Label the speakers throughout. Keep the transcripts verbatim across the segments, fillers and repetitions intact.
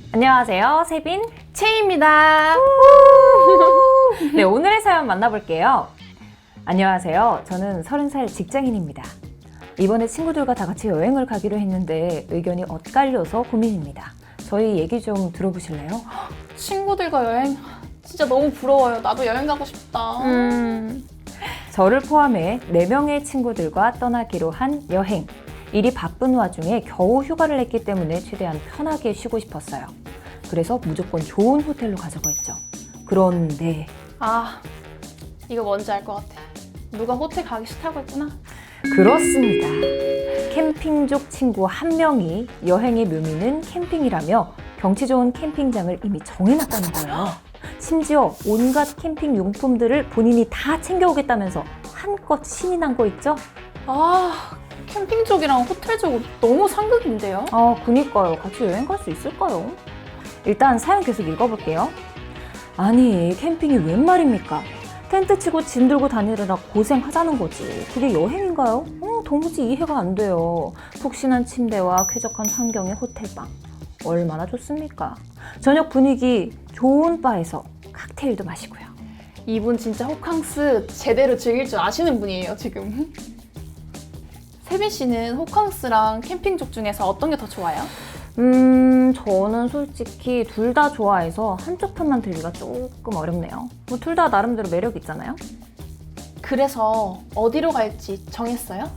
Speaker 1: 안녕하세요, 세빈
Speaker 2: 채입니다.
Speaker 1: 네, 오늘의 사연 만나볼게요. 안녕하세요. 저는 서른 살 직장인입니다. 이번에 친구들과 다 같이 여행을 가기로 했는데 의견이 엇갈려서 고민입니다. 저희 얘기 좀 들어보실래요?
Speaker 2: 친구들과 여행 진짜 너무 부러워요. 나도 여행 가고 싶다.
Speaker 1: 음... 저를 포함해 네 명의 친구들과 떠나기로 한 여행. 일이 바쁜 와중에 겨우 휴가를 냈기 때문에 최대한 편하게 쉬고 싶었어요. 그래서 무조건 좋은 호텔로 가자고 했죠. 그런데
Speaker 2: 아, 이거 뭔지 알 것 같아. 누가 호텔 가기 싫다고 했구나.
Speaker 1: 그렇습니다. 캠핑족 친구 한 명이 여행의 묘미는 캠핑이라며 경치 좋은 캠핑장을 이미 정해놨다는 거예요. 심지어 온갖 캠핑 용품들을 본인이 다 챙겨오겠다면서 한껏 신이 난 거 있죠?
Speaker 2: 아, 캠핑 쪽이랑 호텔 쪽은 너무 상극인데요?
Speaker 1: 아, 그니까요. 같이 여행 갈 수 있을까요? 일단 사연 계속 읽어볼게요. 아니, 캠핑이 웬 말입니까? 텐트 치고 짐 들고 다니느라 고생하자는 거지. 그게 여행인가요? 어, 도무지 이해가 안 돼요. 푹신한 침대와 쾌적한 환경의 호텔방. 얼마나 좋습니까? 저녁 분위기 좋은 바에서 칵테일도 마시고요.
Speaker 2: 이분 진짜 호캉스 제대로 즐길 줄 아시는 분이에요, 지금. 세빈 씨는 호캉스랑 캠핑족 중에서 어떤 게 더 좋아요?
Speaker 1: 음, 저는 솔직히 둘 다 좋아해서 한쪽 편만 들기가 조금 어렵네요. 뭐 둘 다 나름대로 매력 있잖아요?
Speaker 2: 그래서 어디로 갈지 정했어요?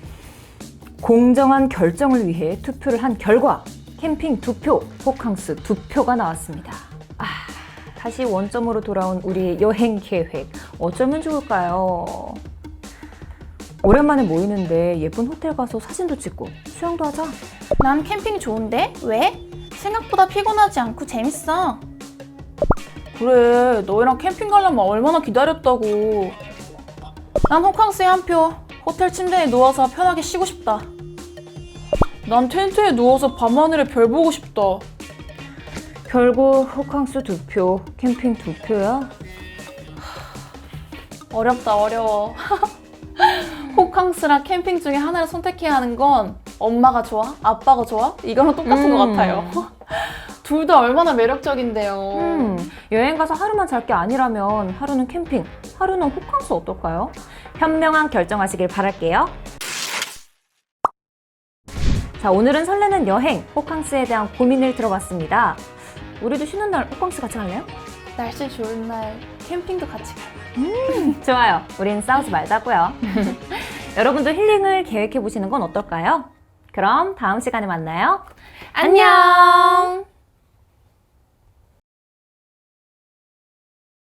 Speaker 1: 공정한 결정을 위해 투표를 한 결과 캠핑 두 표, 호캉스 두 표가 나왔습니다. 아, 다시 원점으로 돌아온 우리의 여행 계획 어쩌면 좋을까요? 오랜만에 모이는데 예쁜 호텔 가서 사진도 찍고 수영도 하자.
Speaker 2: 난 캠핑이 좋은데? 왜? 생각보다 피곤하지 않고 재밌어. 그래, 너희랑 캠핑 가려면 얼마나 기다렸다고. 난 호캉스에 한 표. 호텔 침대에 누워서 편하게 쉬고 싶다. 난 텐트에 누워서 밤하늘에 별 보고 싶다.
Speaker 1: 결국 호캉스 두 표, 캠핑 두 표야?
Speaker 2: 어렵다, 어려워. 호캉스랑 캠핑 중에 하나를 선택해야 하는 건 엄마가 좋아? 아빠가 좋아? 이거랑 똑같은
Speaker 1: 음.
Speaker 2: 것 같아요. 둘 다 얼마나 매력적인데요.
Speaker 1: 음, 여행 가서 하루만 잘 게 아니라면 하루는 캠핑, 하루는 호캉스 어떨까요? 현명한 결정하시길 바랄게요. 자, 오늘은 설레는 여행, 호캉스에 대한 고민을 들어봤습니다. 우리도 쉬는 날 호캉스 같이 갈래요?
Speaker 2: 날씨 좋은 날 캠핑도 같이 가요.
Speaker 1: 음, 좋아요. 우린 싸우지 말자고요. 여러분도 힐링을 계획해보시는 건 어떨까요? 그럼 다음 시간에 만나요. 안녕!